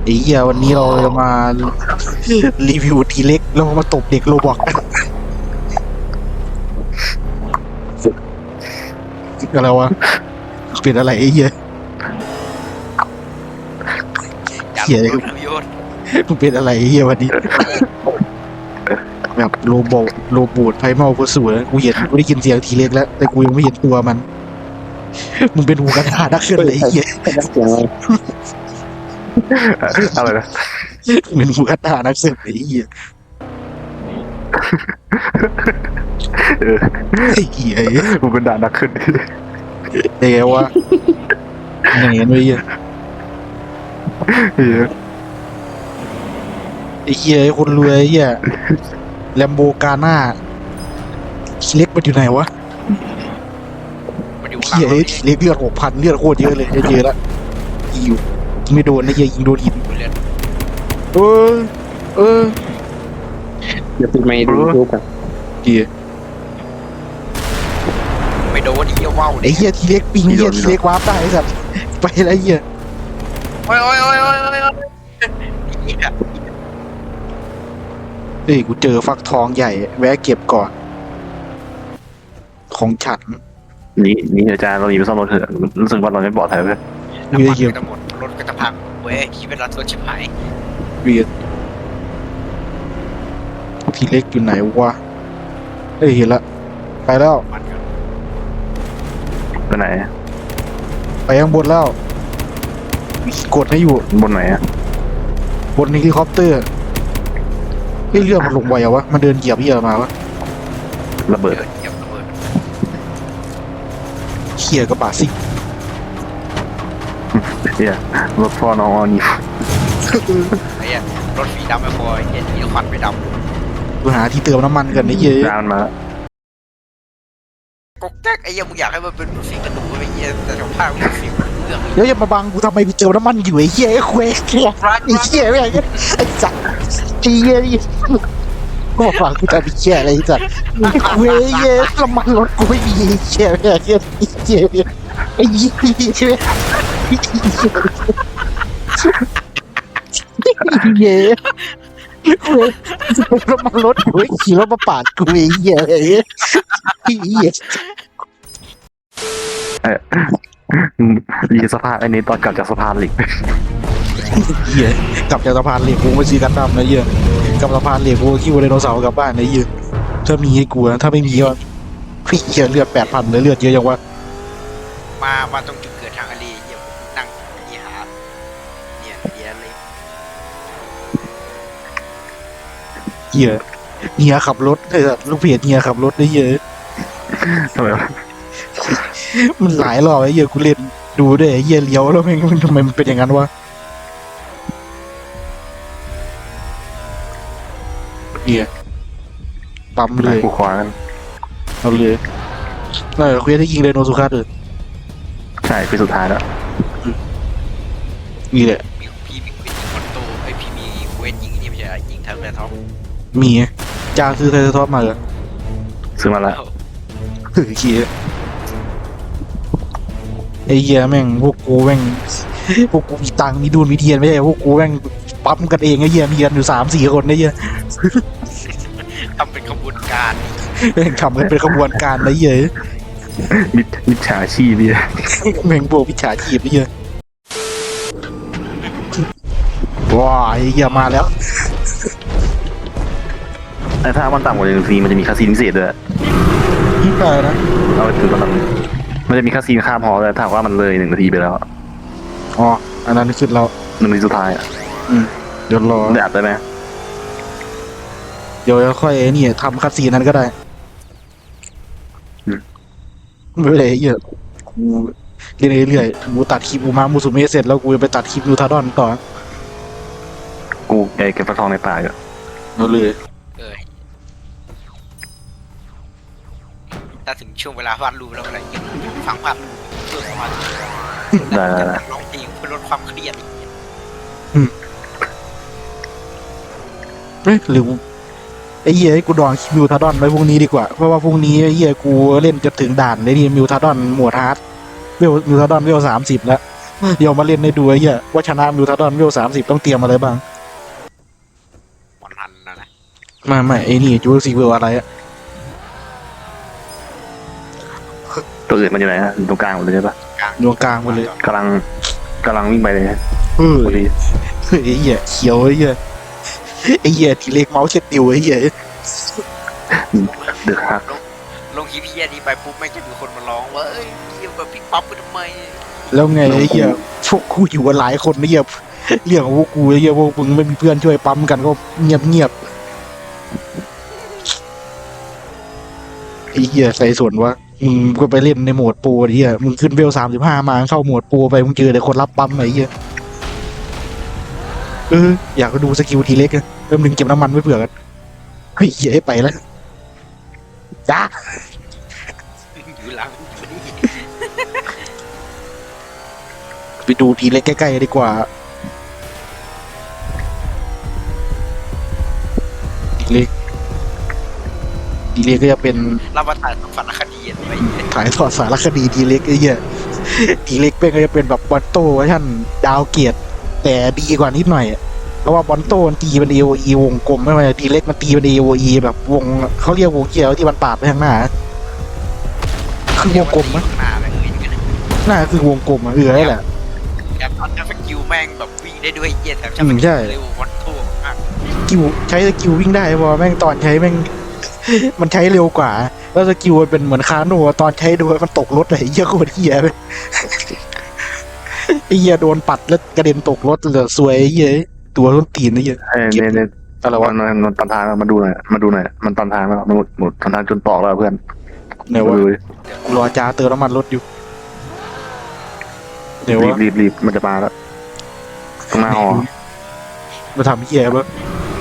ไอ้เหี้ยวันนี้เราจะมารีวิวทีเล็กเรามาตบเด็กโรบอกอะไรวะเป็นอะไรไอ้เหี้ยอยากเหี้ยรู้ทำโยนมึงเป็นอะไรไอ้เหี้ยวันนี้แบบโรบูดไฟเมาโคสูนะกูได้ยินเสียงทีเล็กแล้วแต่กูยังไม่เห็นตัวมันมึงเป็นหูกระดาษนักเคลื่อนไหวไอ้เหี้ยอะไรนะเป็นหูกระดาษนักเคลื่อนไหวไอ้เหี้ยเออไอ้เหี้ยมันเป็นด่านนักขึ้นเดี๋ยววะอย่างเงี้ยไอ้เหี้ยเออไอ้เหี้ยไอ้คนรวยไอ้เหี้ยแลมโบกาน่าทีเล็กมันอยู่ไหนวะมันอยู่ข้างหเหี้ยลังทีเล็กเลือด6,000เลือดโคตรเยอะเลยเยอะแล้วยิงไม่โดนนะเหี้ยยิงโดนหินเลือดเออเดี๋ยวปิดไมค์ดูยูทูบกันเหี้ยไม่โดนเหี้ยว่าวไอ้เหี้ยทีเล็กปิงเหี้ยทีเล็กวาร์ปได้ไอ้สัตว์ไปแล้วเหี้ยโอ้ยเหี้ยเฮ้ยกูเจอฟักทองใหญ่แวะเก็บก่อนของฉันนี่อาจารย์เราหนีไปซ่อมรถเถอะรู้สึกว่าเราไม่ปลอดภัยเลยเวียน้ำมันเหี้ยก็จะหมดรถก็จะพังเว้ยที่เป็นรถรถชิบหายเวียทีเล็กอยู่ไหนวะเฮ้ยเห็นละไปแล้วมันก็ไปไหนไปข้างบนแล้วกดให้อยู่บนไหนอะบนเฮลิคอปเตอร์เฮ้ยเรือมันลงไวอะวะมันเดินเหยียบเหี้ยมาวะระเบิดเหยียบระเบิดเขี่ยกระบะซิ่งเนี่ยรถพ่อน้องออนี่ไอ้เหี้ยรถสีดำไม่พอเหี้ยมีควันไม่ดกูหาที่เติมน้ำมันกันไอ้เหี้ยดาวมันมาแล้วำก๊กแจ๊กไอ้เหี้ยมึงอยากให้มันเป็นรถสีกระดูกไอ้เหี้ยแต่สภาพมันสีเหลืองแล้วอย่ามาบังกูทำไมกูเติมน้ำมันอยู่ไอ้เหี้ยไอ้เควสไอ้เหี้ยไม่ไอ้ไอ้จัดไอ้เหี้ยก็มาฟังกูจะไปเหี้ยอะไรจัดไอ้เควสน้ำมันรถกูไม่มีไอ้เหี้ยไม่ไอ้เหี้ยไอ้เหี้ยไอ้เหี้ยเหี้ยน้ำมันรถกูขี่รถมาปาดกูไอ้เหี้ยไอ้เหี้ยดีสภาพไอ้นี้ตอนกลับจากสะพานเหล็กเหี้ยกลับจากสะพานเหล็กกูไปซื้อกันดั้มนะเหี้ยกลับสะพานเหล็กกูขี่ไดโนเสาร์กลับบ้านนะเหี้ยถ้ามีให้กูนะถ้าไม่มีก็พี่เหี้ยเลือด8,000เลยเลือดเยอะยังวะมาตรงจุดเกิดทางอาลีเหี้ยนั่งนี่หาเนี่ยเหี้ยเลยเหี้ยเฮียขับรถไอ้สัสลูกเพจเฮียขับรถได้เหี้ยทำไมวะมันหลายรอบไอ้เหี้ยกูเล่นดูด้วยไอ้เหี้ยเลี้ยวแล้วแม่งทำไมมันเป็นอย่างนั้นวะเหี้ยปั๊มเลยกูขวากันเอาเลยคุยได้ยิงไดโนสุคัสเลยใช่คือสุดท้ายแล้วนี่แหละมีพี่มียิงคอนโตไอพี่มีเวนยิงนี่ไม่ใช่ยิงทางแรท็อปมีจางซื้อไทเทอร์ท็อปมาเหรอซื้อมาแล้วเฮ้ยเหี้ยไอ้เหี้ยแม่งพวกกูแม่งพวกกูมีตังค์มีดูนมีเทียนไม่ใช่พวกกูแม่งปั๊มกันเองไอ้เหี้ยมีกันอยู่3-4 คนไอ้เหี้ยทำเป็นขบวนการแม่งทำกันเป็นขบวนการไอ้เหี้ยมิจฉาชีพเนี่ยแม่งพวกวิชาชีพไอ้เหี้ยว้าไอ้เหี้ยมาแล้วแต่ถ้ามันต่ำกว่า1 นาทีมันจะมีคาซีนพิเศษด้วยได้นะเอาไปถึงตอนนั้นมันจะมีคาซีนข้ามหอเลยถ้าว่ามันเลย1 นาทีไปแล้วอ๋ออันนั้นคือเรา 1 นาทีสุดท้ายอ่ะเดี๋ยวรอได้อัดได้ไหมเดี๋ยวค่อยไอ้นี่ทำคัดซีนนั้นก็ได้ไม่เป็นไรไอ้เหี้ยกูเรื่อยๆกูตัดคลิปอูมามูสุเมะเสร็จแล้วกูจะไปตัดคลิปนูทาดอนต่อกูเก็บฟักทองในป่าอยู่เอาเลยเออถ้าถึงช่วงเวลาวาดรูปแล้วอะไรยังฟังภาพเพื่อสมาธิได้ร้องเพลงเพื่อลดความเครียดเฮ้ยหรือไอ้เหี้ยให้กูดองคลิปมิวทาดอนไว้พรุ่งนี้ดีกว่าเพราะว่าพรุ่งนี้ไอ้เหี้ยกูเล่นจะถึงด่านเลยนี่มิวทาดอนหมวดฮาร์ดมิวทาดอนเวล30แล้วเดี๋ยวมาเล่นในดูไอ้เหี้ยว่าชนะมิวทาดอนเวล30ต้องเตรียมอะไรบ้างวันหันนะไม่ไอ้นี่จูซีเวลอะไรอะตัวอื่นมันอยู่ไหนฮะตรงกลางหมดเลยใช่ปะดวงกลางหมดเลยกำลังวิ่งไปเลยเฮ้ยพอดีไอ้เหี้ยเขียวไอ้เหี้ยทีเล็กเมาส์เช็ดดิวไอ้เหี้ยเดือดฮักลงคลิปเฮียนี้ไปปุ๊บไม่งจะมีคนมาร้องว่าเอ้ยเฮียแบบพลิกปั๊บไปทำไมแล้วไงไอ้เหี้ยพวกกูอยู่กันหลายคนไอ้เหี้ยเรื่องของพวกกูไอ้เหี้ยพวกมึงไม่มีเพื่อนช่วยปั๊มกันก็เงียบไอ้เหี้ยใส่ส่วนว่ามึงก็ไปเล่นในโหมดโปรไอ้เหี้ยมึงขึ้นเวล35มาเข้าโหมดโปรไปมึงเจอแต่คนรับปั๊มไอ้เหี้ยอยากดูสกิลทีเล็กอะเริ่มดึงเก็บน้ำมันไว้เผื่อกันเฮ้ยเหี้ยให้ไปแล้วจ้าอยู่หลังอยู่นี่ไปดูทีเล็กใกล้ๆดีกว่าทีเล็กก็จะเป็นรับประทานสารคดีอะไรอย่างเงี้ยถ่ายทอดสารคดีทีเล็กไอ้เหี้ยทีเล็กเป็นก็จะเป็นแบบบอลโต้เวอร์ชันดาวเกียรติแต่ดีกว่านิดหน่อยเพราะว่าบอลโต้มันตีเป็น AOE วงกลมไม่ใช่ทีเล็กมันตีเป็น AOE แบบวงเขาเรียกวงเขียวที่มันปาดไปข้างหน้าคือวงกลมมั้ยหน้าอะไรอย่างเงี้ยหน้าคือวงกลมอ่ะนั่นแหละแบบตอนนั้นสกิลแม่งแบบวิ่งได้ด้วยเฮียแถมใช่เร็ววันโทมากสกิลใช้สกิลวิ่งได้เพราะว่าแม่งตอนใช้แม่ง มันใช้เร็วกว่า แล้วสกิลมันเป็นเหมือนคาโน่ตอนใช้ดูมันตกรถเลยเหี้ยโคตรเหี้ยเลยไอ้เหี้ยโดนปัดแล้วกระเด็นตกรถเลยสวยไอ้เหี้ยตัวต้นตีนไอ้เหี้ยเนี่ยอะไรวะมันตันทางมาดูหน่อยมันตันทางแล้วมันหมดตันทางจนตอกแล้วเพื่อนไหนวะดูดิกูรอจ้าเติมน้ำมันรถอยู่เดี๋ยววะรีบมันจะมาแล้วตรงหน้าหอมาทำเหี้ยปะ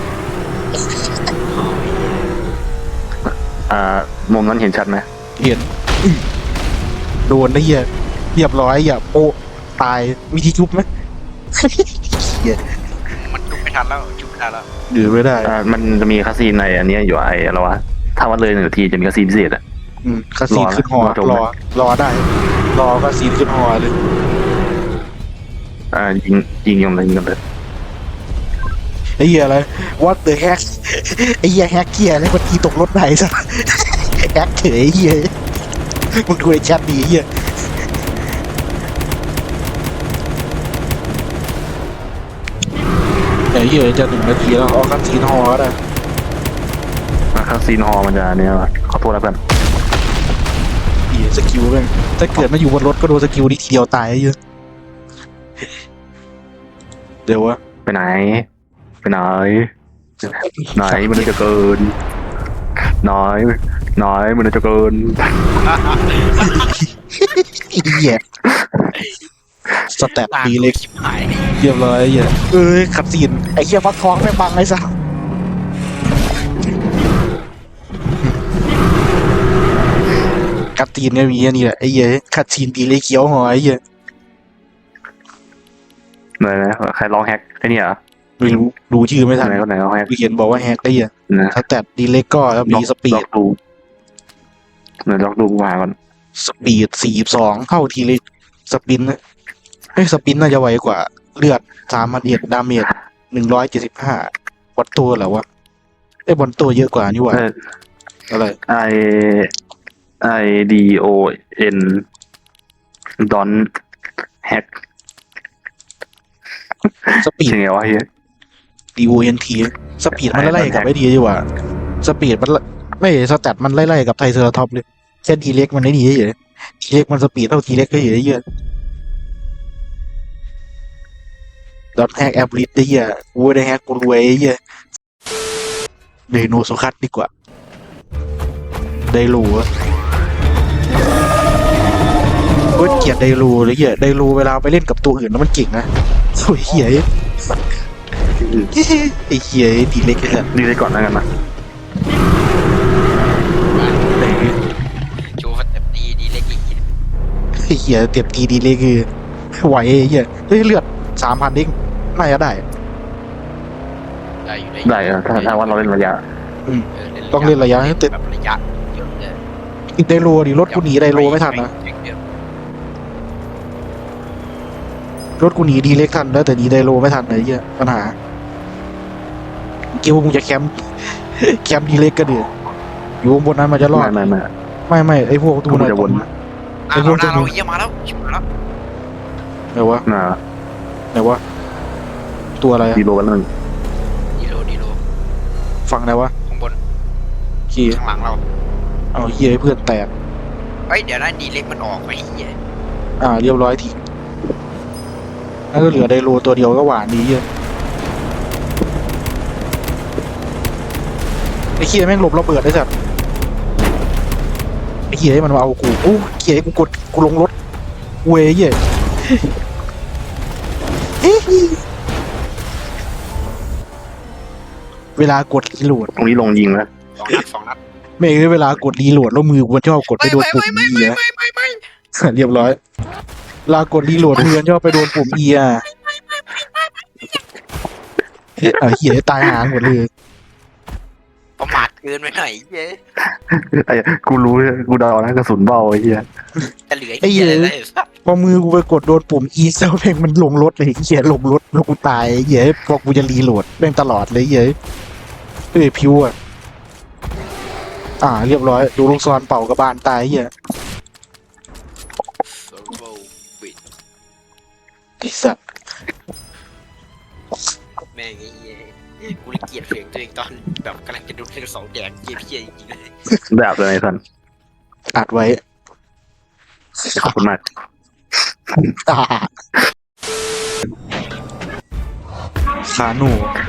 มุมนั้นเห็นชัดไหมเห็นโดนไอ้เหี้ยเรียบร้อยอย่าโปะตายวิธีชุบไหมเหี้ยมันจุกไม่ทันแล้วจุกไม่ทันแล้วหรือไม่ได้มันจะมีคาซีนในอันนี้อยู่ไอ้อะไรวะถ้าวันเลย1 นาทีจะมีคาซีนพิเศษอ่ะคาซีนขึ้นหอรอจบไหมรอได้ รอคาซีนขึ้นหอเลยยิงกันเลยไอ้เหี้ยอะไร what the heck ไอ้เหี้ยแฮกเกียร์อะไรมันตีตกรถไหนซะแฮกเฉยไอ้เหี้ยมึงดูในแชทดีไอ้เหี้ยไอ้เหี้ยจะ1 นาทีแล้วเอาคันซีนฮอแล้วนะคาซีนฮอมันจะเนี่ยขอโทษแล้วเพื่อนเหี้ยสกิลแม่งถ้าเกิดมาอยู่บนรถก็โดนสกิลนี้ทีเดียวตายไอ้เหี้ยเดี๋ยววะไปไหนมันจะเกินน้อยมันจะเกินไอ้เหี้ยสแตทดีเล็กชิบหายเรียบร้อยไอ้เหี้ยขัดซีนไอ้เหี้ยฟักทองแม่งบังไอ้สัสขัดซีนเนี่ยมีอันนี้แหละไอ้เหี้ยขัดซีนดีเลยเขียวหอยไอ้เหี้ยไหนใครลองแฮกไอ้นี่เหรอไม่รู้ดูชื่อไม่ทันไหนก็ไหนลองแฮกกูเห็นบอกว่าแฮกไอ้เหี้ยนะสแตทดีเล็กก็แล้วมีสปีลดองดูไหนลองดูมาก่อน 42เท่าทีเล็กสปินนะสปินน่าจะไวกว่าเลือด3,100ดาเมจ175วัตตัวเหรอวะบอลตัวเยอะกว่านี่หว่าอะไร IDON ดอนแฮกสปีดใช่ไงวะเฮีย DONT สปีดมันไล่ๆกับไอ้ดีดีกว่าสปีดมันไม่สแตทมันไล่ๆกับไทเซอร์ท็อปเลยแค่ดีเล็กมันได้ดีเฉยทีเล็กมันสปีดเท่าทีเล็กก็เฉยเยอะดอทแฮกแอปลิสได้เยอะกูได้แฮกกูรวยเยอะเดโนโซคัสดีกว่าไดรูอะก็เกลียดไดรูเลยเยอะไดรูเวลาไปเล่นกับตัวอื่นแล้วมันเก่งนะโอ้ยเหี้ยไอ้เหี้ยดีเล็กเลยนี่ได้ก่อนแล้วกันนะโชว์สเต็ปดีเล็กอีกไอ้เหี้ยเต็มทีดีเลยคือไหวไอ้เหี้ยเลือด3,000เองน่าจะได้ได้อยู่ได้ถ้าว่าเราเล่นระยะต้องเล่นระยะให้เต็มแบบระยะเยอะเลยไดโลดิรถกูหนีไดโลไม่ทันนะรถกูหนีดีเล็กทันแล้วแต่หนีไดโลไม่ทันเลยเหี้ยปัญหาเกี่ยวมึงจะแคมป์ แคมป์ดีเล็กก็เดือดอยู่บนนั้นมันจะรอดไม่ไอ้พวกตูกูน่ะจะวนอ่ะเราหน้าเราเยี่ยมาแล้วมาแล้วไหนวะน่ะไหนวะตัวอะไรอะดีโลกันนึงดีโลฝั่งไหนวะข้างบนขี่ข้างหลังเราเอาเหี้ยให้เพื่อนแตกเฮ้ยเดี๋ยวนะดีเล็กมันออกไปเหี้ยเรียบร้อยทีแล้วก็เหลือไดโลตัวเดียวก็หวานดีเหี้ยไอ้เหี้ยแม่งหลบระเบิดได้สัตว์ไอ้เหี้ยให้มันมาเอากูโอ้เหี้ยให้กูกดกูลงรถเว้ยเหี้ย เวลากดรีโหลดตรงนี้ลงยิงแล้วสองนัดไม่คือเวลากดรีโหลดแล้วมือกูมันชอบกดไปโดนปุ่ม E อะไม่เรียบร้อยเวลากดรีโหลดมือมันชอบไปโดนปุ่ม E อะเหี้ยตายหาหมดเลยประมาทเกินไปหน่อยเย้ไอ้กูรู้กูเดานะกระสุนเบาไอ้เหี้ยจะเหลือเหี้ยอะไรสักพอมือกูไปกดโดนปุ่ม E เซลเพลงมันลงรถเลยเหี้ยลงรถแล้วกูตายเหี้ยพอกูจะรีโหลดแม่งตลอดเลยเหี้ยพิวอะเรียบร้อยดูลูกศรเป่ากระบาลตายเหี้ยไอ้สัสแม่งไอ้เหี้ยกูเลยเกลียดเพลงตัวเองตอนแบบกำลังจะดูเพลงสองแดงเหี้ยจริงๆเลยแบบเลยท่านอัดไว้ขอบคุณมากขาหนู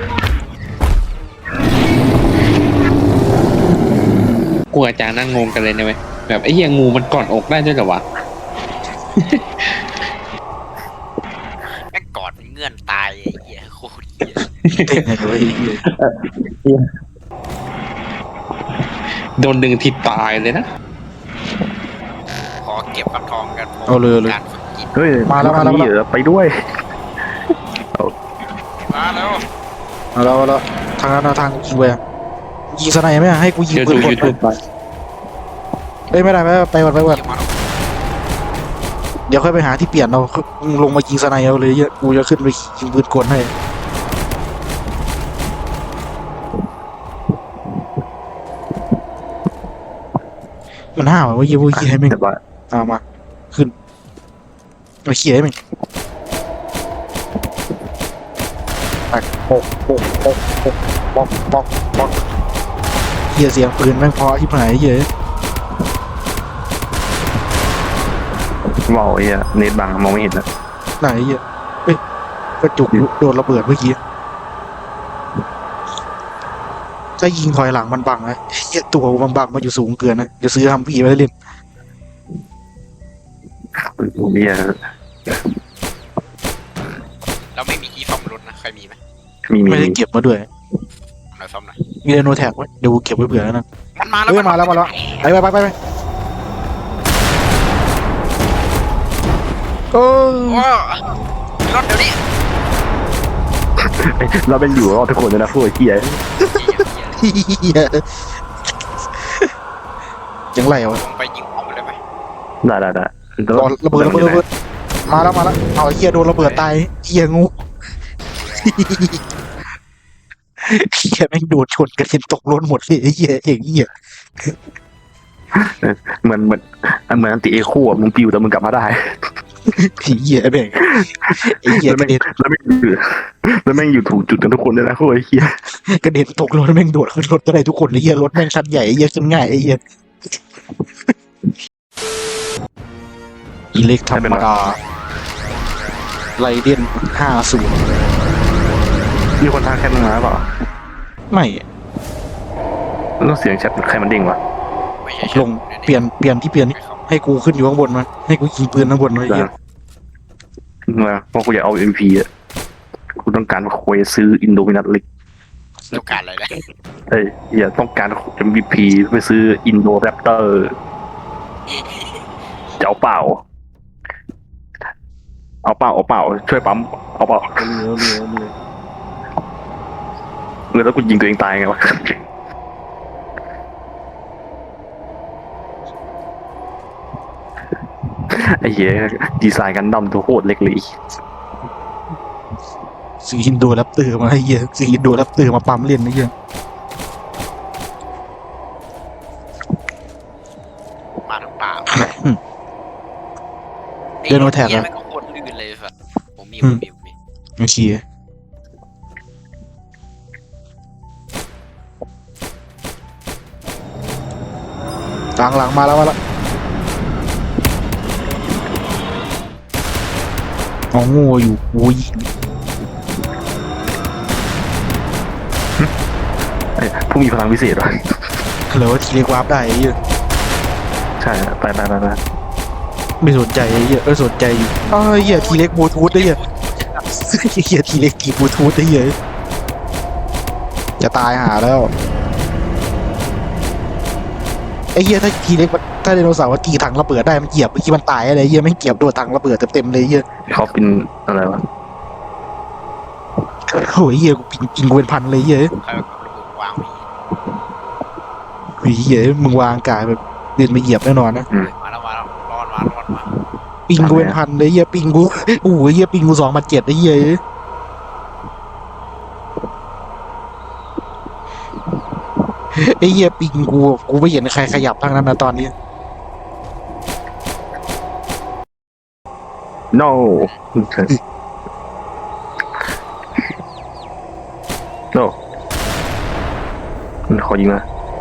กูอาจารย์นั่งงงกันเลยนะเว้ยแบบไอ้เหี้ยงูมันกอดอกได้ด้วยเหรอวะแม่งกอดมันเงื่อนตายไอ้เหี้ยโคตรเหี้ยเต้นให้ด้วยโดนดึงทิศตายเลยนะขอเก็บฟักทองกันเอาเลยการฝึกจิตเฮ้ยมาแล้วเหรอไปด้วยมาแล้วเอาแล้วทางนั้นทางยิงไปยิงสไนไหมให้กูยิงเดี๋ยวปืดูนกดยูทูบไปไม่ได้ไปก่อนเยี่ยมาเดี๋ยวค่อยไปหาที่เปลี่ยนเราลงมายิงสไนเอาเลยเยอะกูจะขึ้นไปยิงปืนกลให้มันห้าวว่ายี่ห้อให้แม่งเรียบร้อยมาขึ้นมาเขี่ยให้แม่งปกเหี้ยเสียงปืนแม่งเพราะที่ไหนเยอะเบาไอ้เหี้ยเน็ตบังมองไม่เห็นนะไหนเยอะเอ้ยกระจุกโดนระเบิดเมื่อกี้ถ้ายิงถอยหลังมันบังนะเหี้ยตัวมันบังมาอยู่สูงเกินนะจะซื้อฮัมพีไว้เล่นเหี้ยเราไม่มีที่ซ่อมรถนะใครมีไหมมีไม่ได้เก็บมาด้วยหน่อยซ่อมหน่อยมีเรโนแท็กไว้เดี๋ยวกูเก็บไว้เผื่อแล้วนะมันมาแล้วเฮ้ยมาแล้วไปโอ้โอ้รถเดี๋ยวนี้เราเป็นอยู่รอดทุกคนเลยนะพวกไอ้เหี้ยเหี้ยยังไรวะลงไปยิงออกมาเลยไหมได้รอระเบิดมาแล้วเอาไอ้เหี้ยโดนระเบิดตายเหี้ยงูเหี้ยแม่งโดนชนกระเด็นตกรถหมดเลยไอ้เหี้ยเหี้ยเหมือนอันติเอโคอะมึงปิวแต่มึงกลับมาได้ผีเหี้ยแม่งไอ้เหี้ยกระเด็นแล้วแม่งอยู่ถูกจุดกันทุกคนเลยนะพวกไอ้เหี้ยกระเด็นตกรถแม่งโดดขึ้นรถก็ได้ทุกคนเลยเหี้ยรถแม่งชั้นใหญ่ไอ้เหี้ยขึ้นง่ายไอ้เหี้ยอิเล็กธรรมดาไรเดน50 มีคนทางแคปมึงมาเปล่าไม่แล้วเสียงแชทใครมันเด้งวะไม่ใช่ลงเปลี่ยนที่เปลี่ยนให้กูขึ้นอยู่ข้างบนมาให้กูยิงปืนข้างบนมาไอ้เหี้ยเพราะกูอยากเอา MVP อ่ะกูต้องการเควสซื้ออินโดมินัทลิกต้องการอะไรนะอย่าต้องการ MVP ไปซื้ออินโดแรปเตอร์จะเอาเปล่าช่วยปั๊มเอาเปล่าแล้วกูยิงตัวเองตายไงวะไอ้เหี้ยดีไซน์กันดั้มตัวโคตรเล็กเลยซื้ออินโดแรปเตอร์มาให้เหี้ยซื้ออินโดแรปเตอร์มาปั๊มเล่นนะเหี้ยมาทั้งป่าเดินโนแท็กเหรอะไม่ก็โคตรลื่นเลยสัสผมมีโอเคหลังมาแล้วเอาโง่อยู่โอ้ยผู้มีพลังพิเศษวะแล้วทีเล็กวาร์ปได้ไอ้เหี้ยใช่ไปไม่สนใจไอ้เหี้ยสนใจอยู่อ้าวไอ้เหี้ยทีเล็กบลูทูธไอ้เหี้ยเหี้ยทีเล็กทีบลูทูธไอ้เหี้ยจะตายหาแล้วไอ้เหี้ยถ้าทีเล็กถ้าไดโนเสาร์ตีถังระเบิดได้มันเหยียบเมื่อกี้มันตายอะไรเหี้ยไม่เหยียบโดนถังระเบิดเต็มเลยเหี้ยเขาเป็นอะไรวะโอ้ยเหี้ยกูปิงกูเป็นพันเลยเหี้ยใครเอาระเบิดวางไว้เหี้ยมึงวางกายแบบเดินมาเหยียบแน่นอนนะมาแล้วรอดมาปิงกูเป็นพันเลยเหี้ยปิงกูโอ้ยเหี้ยปิงกู2,700ไอ้เหี้ยไอ้เหี้ยปิงกูไม่เห็นใครขยับทั้งนั้นนะตอนนี้ no โนมันขอยิงนะ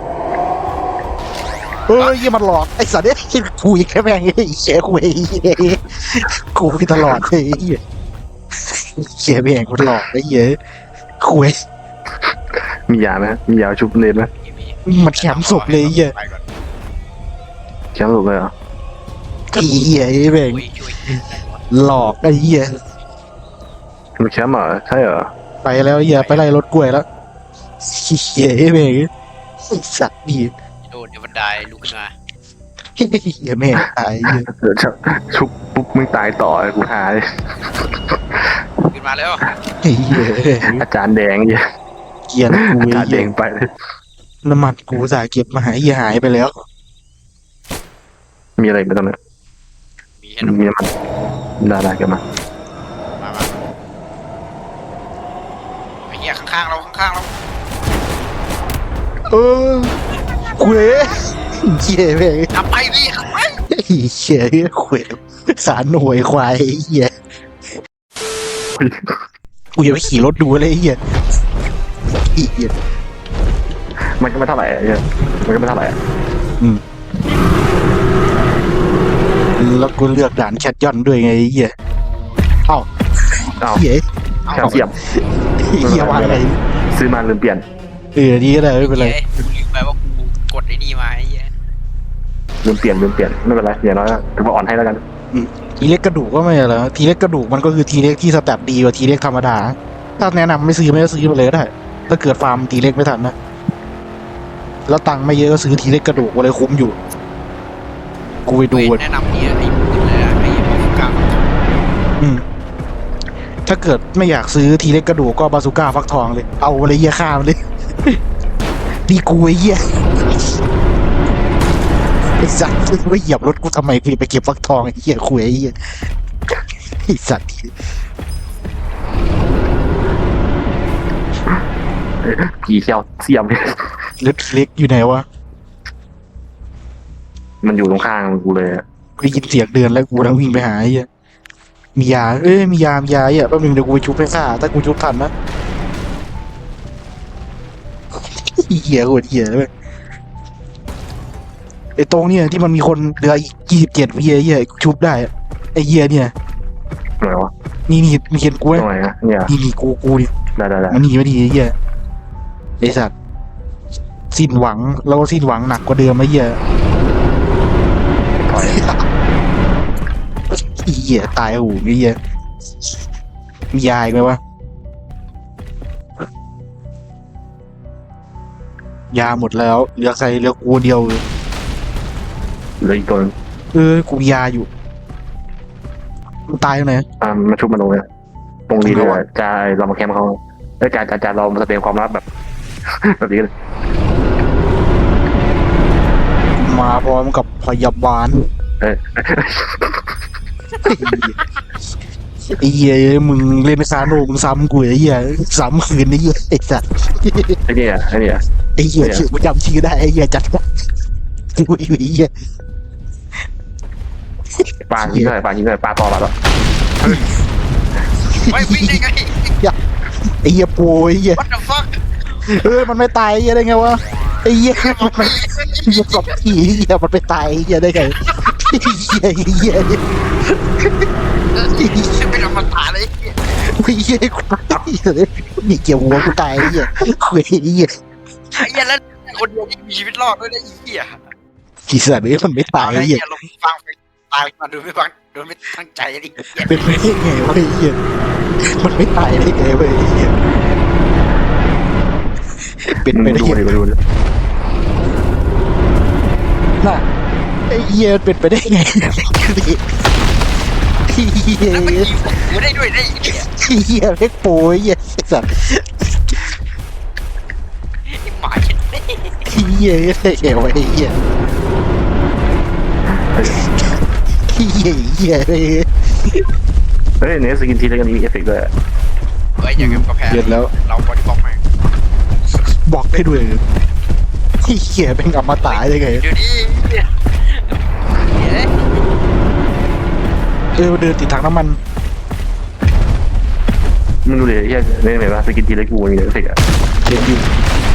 เฮ้ยมันหลอกไอ้สัตว์เนี่ยกูอีกแค่แม่งไอ้เชี่ยกูไอ้เหี้ยกูไปตลอดเลยไอ้เหี้ยเชี่ยแม่งกูหลอกไอ้เหี้ยคุยมียาไหมมียาชุบเนตไหมมันแคมป์ศพเลยไอ้เหี้ยไปก่อนแชมป์ถูกเลยเหรอไอ้เหี้ยไอ้แม่งช่วยหลอกไอ้เหี้ยมันแชมป์เหรอใช่เหรอไปแล้วไอ้เหี้ยไปไล่รถกล้วยแล้วเชี่ยไอ้แม่งไอ้สัตว์ดีโดนเดี๋ยวบันไดลุกขึ้นมาเหี้ยแม่งตายไอ้เหี้ยเดี๋ยวชุบปุ๊บมึงตายต่อกูหาเลยขึ้นมาแล้วไอ้เหี้ยอาจารย์แดงเนี่ยเกลียนกูอาไอ้จารย์แดเหี้ยงไปเลยน้ำมันกูสายเก็บมาหายเหี้ยหายไปแล้วมีอะไรไปตรงนั้นมีแค่น้ำมีน้ำมันได้กันมามาไอ้เหี้ยข้างๆเราเออคุยเหี้ยแม่งขับไปพี่ขับไปไอ้เหี้ยคุยสารหน่วยควายไอ้เหี้ยกูอย่าไปขี่รถดูเลยไอ้เหี้ยไอ้เหี้ยมันก็ไม่เท่าไหร่อะเนี่ยมันก็ไม่เท่าไหร่อะแล้วกูเลือกด่านแคทยอนด้วยไงไอ้เหี้ยเอ้าอ้าวเหี้ยแคลเซียมเหี้ยวางไงซื้อมาลืมเปลี่ยนดีก็ได้ไม่เป็นไรกูลืมไปว่ากูกดไอ้นี่มาไอ้เหี้ยลืมเปลี่ยนไม่เป็นไรอย่างน้อยถือว่าอ่อนให้แล้วกันทีเล็กกระดูกก็ไม่อะไรทีเล็กกระดูกมันก็คือทีเล็กที่สแตทดีกว่าทีเล็กธรรมดาถ้าแนะนำไม่ซื้อไปเลยก็ได้ถ้าเกิดฟาร์มทีเล็กไม่ทันนะแล้วตังค์ไม่เยอะก็ซื้อทีเล็กกระดูกอะไรคุ้มอยู่กูไปดูแนะนำเนี่ยไอ้ปืนเลยอะไอ้บอลกลางถ้าเกิดไม่อยากซื้อทีเล็กกระดูกก็บาซูก้าฟักทองเลย เอาอะไรเหี้ยข้ามเลย ดีกูไอ้เหี้ยไอ้สัตว์ไม่เหยียบรถกูทำไมกูไปเก็บฟักทองไอ้เหี้ยคุยไอ้เหี้ยไอ้สัตว์ผีแคลเซียมเนี่ยรถเล็กอยู่ไหนวะมันอยู่ตรงข้างกูเลยอะกูได้ยินเสียงเดินแล้วกูต้องวิ่งไปหาไอ้เหี้ยมียามียาไอ้แป๊บนึงเดี๋ยวกูไปชุบให้ข้าถ้ากูชุบทันนะเหี้ยโคตรเหี้ยเลยไอ้ตรงเนี่ยที่มันมีคนเหลืออีก27เหี้ยชุบได้ไอ้เหี้ยเนี่ยตรงไหนวะนี่มีเห็นกูไหมตรงไหนอะเนี่ยนี่กูนี่ได้มันหนีไม่ดีไอ้เหี้ยไอ้สัตว์สิ้นหวังแล้วก็สิ้นหวังหนักกว่าเดิมไอ้เหี้ยถอยไอ้เหี้ยตายหูไอ้เหี้ยมียาอีกไหมวะยาหมดแล้วเหลือใครเหลือกูเดียวเลยเหลืออีกตัวนึงกูมียาอยู่มันตายตรงไหนมาชุบมาตรงเลยตรงนี้เลยอะจะเรามาแคมป์เขาจะเรามาแสดงความลับแบบ แบบนี้เลยมาพร้อมกับพยาบาลเอ้ยเไอ้เหี้ยมึงเล่นคาโนมึงซ้ำกูไอ้เหี้ยซ้ำคืนไอ้เหี้ยไอ้สัตว์ไอ้เนี่ยไอ้เนี่ยไอ้เหี้ยชื่อกูจำชื่อได้ไอ้เหี้ยจัดกูไอ้เหี้ยปลายิงเลยปลายิงเลยปลาต่อปลาต่อไม่วิ่งได้ไงไอ้เหี้ยปูไอ้เหี้ย What the fuck มันไม่ตายไอ้เหี้ยได้ไงวะไอ้เหี้ยมันเหี้ยสองทีไอ้เหี้ยมันไม่ตายไอ้เหี้ยได้ไงไอ้เหี้ยไอ้เหี้ยเป็นอมตะเลยไอ้เหี้ยกูตายเลยนี่เกี่ยวหัวกูตายไอ้เหี้ยคุยไอ้เหี้ยไอ้เหี้ยแล้วคนเดียวที่มีชีวิตรอดด้วยนะไอ้เหี้ยกีสัตว์เนี่ยมันไม่ตายไอ้ไอ้เหี้เหี้ยยลงฟังไปตายมาโดยไม่ฟังโดยไม่ตั้งใจไอ้เหี้ยเป็นไปได้ไงวะไอ้เหี้ยมันไม่ตายได้ไงวะไอ้เหี้ยเป็นไปได้ดูไงดิดูดิน่ะไอ้เหี้ยเป็นไปได้ไงไอ้เหี้ยแล้วมันยิงกูได้ด้วยได้ไอ้เหี้ยไอ้เหี้ยเล็กโป้ยไอ้สัตว์ไอ้หมาเห็นไหมไอ้เหี้ยไอ้เหี้ยไอ้เหี้ยไอ้เหี้ยไอ้เหี้ยไอ้เหี้ยเฮ้ยเนี่ยสกินทีแล้วก็มีเอฟเฟกต์ด้วยเฮ้ยอย่างกับกระแพงเดือดแล้วเราบอดี้บล็อกแม่งบอกให้ด้วยไอ้เหี้ยเป็นอมตะได้ไงเดี๋ยวนี้เฮ้ยเดินติดถังน้ำมันมึงดูดิเฮียเนี่ยเห็นป่ะสกินทีแล้วกูมีเอฟเฟกต์อ่ะเดินอยู่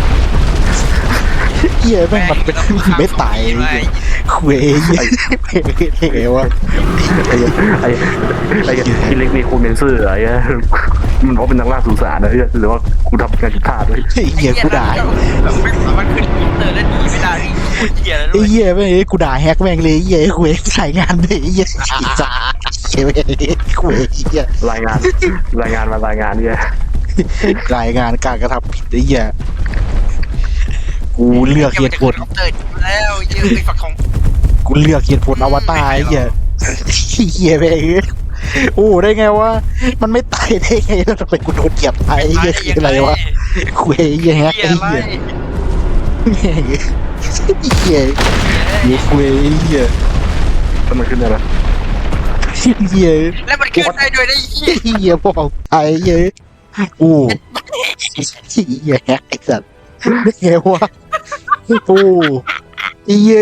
เหี้ยแม่งมันเป็นไม่ตายคุยเหี้ยเป็นไงวะไอ้ทีเล็กมีโคเมนเซอร์อะไรเงี้ยมันบอกเป็นนักล่าสุสานนะหรือว่ากูทำงานผิดพลาดด้วยไอ้เหี้ยกูด่าแบบไม่สามารถขึ้นอินเตอร์แล้วหนีไม่ได้นี่โคตรเหี้ยแล้วไอ้ด้วยเหี้ยแม่งกูด่าแฮกแม่งเลยไอ้เหี้ยคุยถ่ายงานเลยไอ้เหี้ยจ้าเหี้ยแม่งคุยไอ้เหี้ยรายงานเนี่ยรายงานการกระทำผิดไอ้เหี้ยกูเลือกเหตุผลเตอร์แล้วเยอะไปฝักของกูเลือกเหตุผลอวตารไอ้เหี้ยเหี้ยแม่งโอ้ได้ไงวะมันไม่ตายได้ไงแล้วทำไมกูโดนเหยียบตายไอ้เหี้ยคืออะไรวะคุยไอ้เหี้ยแฮกเหี้ยไอ้อะไรเหี้ยแม่งไอ้เหี้ยอยู่คุยไอ้เหี้ยแล้วมันขึ้นได้ไหมเหี้ยแล้วมันขึ้นได้ด้วยนะไอ้เหี้ยเหี้ยบอกไอ้เหี้ยโอ้เหี้ยแฮกไอ้สัตว์ได้ไงวะโอ้เหี้ย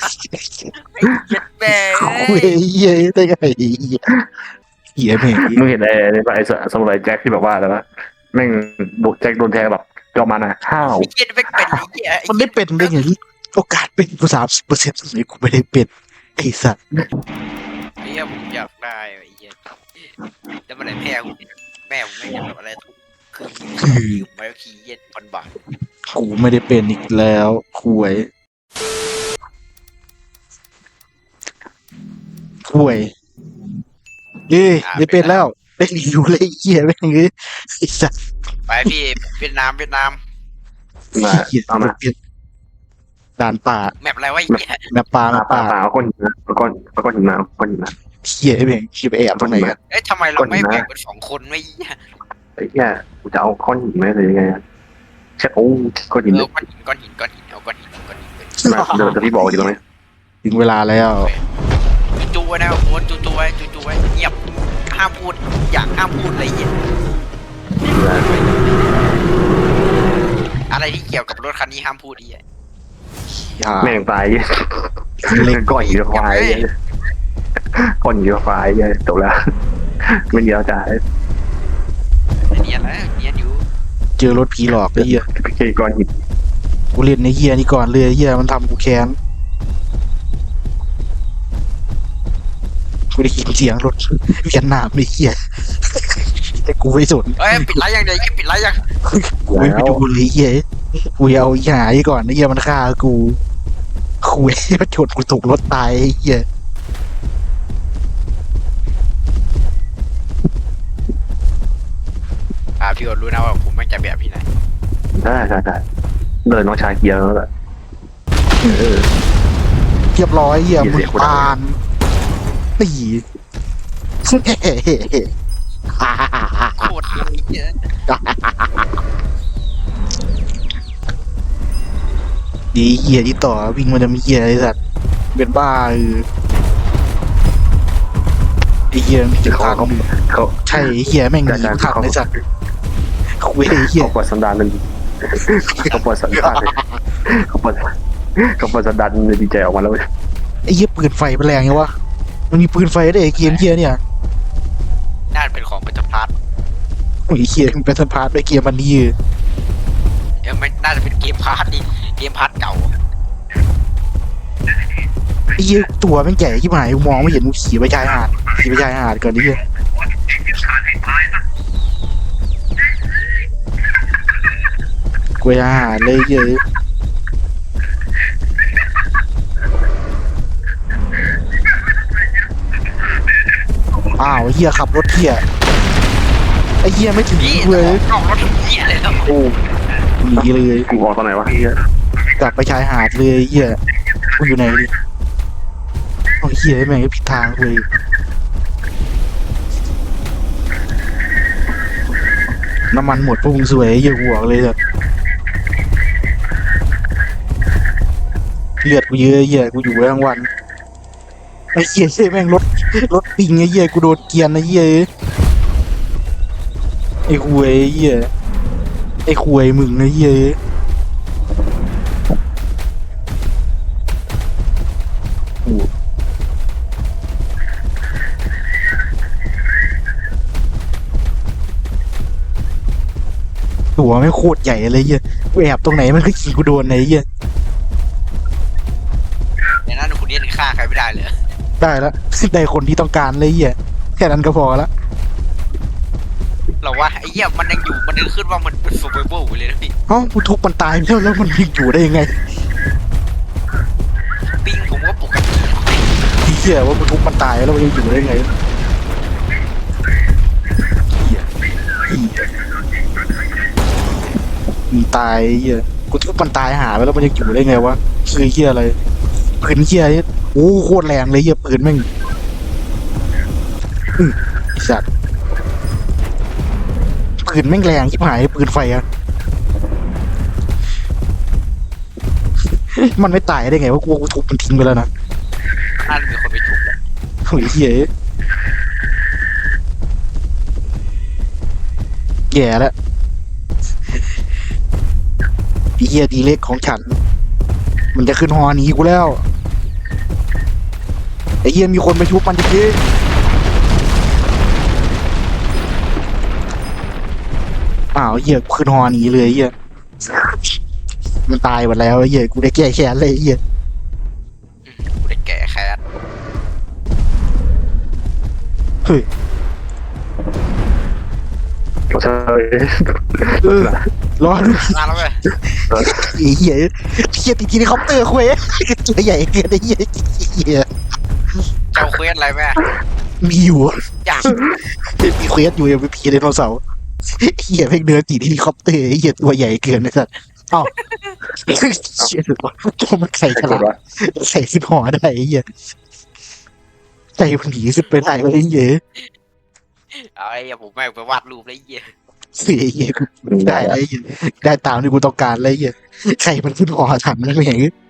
แม่คุยเหี้ยได้ไงเหี้ยแม่งมึงเห็นไอ้สมุไรแจ็คที่แบบว่าอะไรวะแม่งโดนแจ็คโดนแทงแบบยอมมานะห้าวไอ้เหี้ยไม่เป็นไอ้เหี้ยมันได้เป็นได้ไงโอกาสเป็นกู30%เลยกูไม่ได้เป็นไอ้สัตว์ไอ้เหี้ยผมอยากได้ไอ้เหี้ยแล้วมันไหนแม่ผมไม่อยากแบบอะไรทุกคือยืมไว้ขี้เย็นพันบาทกูไม่ได้เป็นอีกแล้วคุยเอ้ยได้เป็นแล้วได้รีวิวเลยไอ้เหี้ยแม่งเลยไอ้สัตว์ไปพี่เวียดนามมาเหี้ยเอามาเปลี่ยนด่านป่าแมปอะไรวะไอ้เหี้ยแม่ป่าป่าเอาก้อนหินนะเอาก้อนหินมาเอาก้อนหินมาเหี้ยแม่งคิดไปแอบตรงไหนกันเอ้ยทำไมเราไม่แบ่งเป็น2 คนไม่เหี้ยไอ้เหี้ยกูจะเอาก้อนหินไหมหรือยังไงใช่โอ้ก้อนหินเอาก้อนหินเอาก้อนหินไปมาเดี๋ยวพี่บอกอยู่ตรงนี้ถึงเวลาแล้วจูไว้นะโอ้จูไว้เงียบห้ามพูดห้ามพูดอะไรเงี้ยอะไรที่เกี่ยวกับรถคันนี้ห้ามพูดดิอย่าแม่งตายก้อนหินควายก้อนหินควายจบแล้วไม่เดียวจ่ายเนี่ยนะเนี่ยอยู่เจอรถผีหลอกไอ้เหี้ยโอเคก้อนหินกูเล่นในเหี้ยนี่ก่อนเลยไอ้เหี้ยมันทำกูแค้นกูได้ยินเสียงรถเวียดนามไอ้เหี้ยแต่กูไม่สนเอ้ยปิดไลฟ์ยังเดี๋ยวปิดไลฟ์ยังกูไม่ไปดูเลยไอ้เหี้ยกูเอาหาไอ้ก่อนไอ้เหี้ยมันฆ่ากูคุยมันชนกูถูกรถตายไอ้เหี้ยพี่โอรู้นะว่าผมไม่จะแบบพี่ไหนได้เลยน้องชายเกียร์แล้วแหละเออเรียบร้อยเหี้ยมึงปานตีโคตรเยอะดีเหี้ยที่ต่อวิ่งมันจะมีเหี้ยไอ้สัตว์เป็นบ้าดีอ้เหี้ยมันจะเขาทางเขาใช่ไอ้เหี้ยแม่งหนีทันเลยสัตว์คุยไอ้เหี้ยเขาปล่อยสันดานมันเขาปล่อยสันดานเขาปล่อยเขาปล่อยสันดานมันดีใจออกมาแล้วไอ้เหี้ยปืนไฟมันแรงไงวะมันมีปืนไฟได้วยไอ้เกมเหี้ยเนี่ยน่าจะเป็นของเป็นพาร์ทโอ้ยเหี้ยมันเป็นสปาร์ตด้วยเกมมันนี่ยังไม่น่าจะเป็นเกมพาร์ทดิเกมพาร์ทเก่าไอ้เหี้ยตัวแม่งใหญ่ที่หายกูมองไม่เห็นกูขี่ไปชายหาดก่อนนี่เหี้ยกูไปชายหาดเลยเหี้ยอ้าวไอ้เหี้ยขับรถเหี้ยไอ้เหี้ยไม่ถึงพี่เลยออกรถเหี้ยเลยแล้วโอ้หนีเลยกูออกตอนไหนวะเฮียกลับไปชายหาดเลยไอ้เหี้ยกูอยู่ไหนดิโอ้ยเหี้ยแม่งก็ผิดทางเลยน้ำมันหมดพวกมึงสวยไอ้เหี้ยกูบอกเลยแบบเลือดกูเยอะไอ้เหี้ยกูอยู่ได้ทั้งวันไอ้เหี้ยแม่งรถปิงไอ้เหี้ยกูโดนเกรียนไอ้เหี้ยไอ้คุยไอ้เหี้ยไอ้คุยมึงไอ้เหี้ยตัวไม่งโคตรใหญ่เลยเหี้ยกูแอบตรงไหนมันก็ขี่กูโดนไอ้เหี้ยในนั้นคุณเนี่ยฆ่าใครไม่ได้เลยได้แล้ว ได้คนที่ต้องการเลยเหี้ยแค่นั้นก็พอละเราว่าไอ้เหี้ยมันยังอยู่มันนึกขึ้นว่ามันเป็นซูเปอร์โบว์เลยนะพี่เอ้ากูทุบมันตายไปแล้วมันยังอยู่ได้ยังไงปิ้งผมก็ปกติไอ้เหี้ยว่ากูทุบมันตายแล้วมันยังอยู่ได้ยังไงเหี้ยมันตายไอ้เหี้ยกูทุบมันตายหาไปแล้วมันยังอยู่ได้ไงวะคือเหี้ยอะไรปืนเหี้ยนี่โอ้โคตรแรงเลยเหี้ยปืนแม่งไอ้สัตว์ปืนแม่งแรงชิบหายปืนไฟอะ มันไม่ตายได้ไงว่ากูทุบมันทิ้งไปแล้วนะน่าจะมีคนไปทุบแหละโอ้ยเหี้ยแย่แล้วไอ้เหี้ยดีเล็กของฉัน มันจะขึ้นฮอหนีกูแล้วไอ้เหี้ยมีคนไปชุบมันจริงๆอ้าวเหี้ยขึ้นฮอหนีเลยไอ้เหี้ยมันตายหมดแล้วไอ้เหี้ยกูได้แก้แค้นเลยไอ้เหี้ยกูได้แก่แค้นเฮ้ยใช่รอดูมาแล้วเว้ยไอ้เหี้ยเหี้ยติดทีนี้คอปเตอร์คุยตัวใหญ่เกินไอ้เหี้ยเหี้ยเจ้าเควสอะไรแม่มีอยู่อยากมีเควสอยู่ยังมีผีไดโนเสาร์เหี้ยเพ่งเดินติดทีนี้คอปเตอร์ไอ้เหี้ยตัวใหญ่เกินไอ้สัสเอ้าเชี่ยตัวมันใส่ฉลามใส่ขึ้นหอได้ไอ้เหี้ยใส่มันหนีขึ้นไปได้ไอ้เหี้ยเอาไอ้เหี้ยผมแม่งไปวาดรูปแล้วไอ้เหี้ยเสียเหี้ยกูได้ไอ้เหี้ยได้ตามที่กูต้องการเลยไอ้เหี้ยใครมันขึ้นหอทันนั่นเอง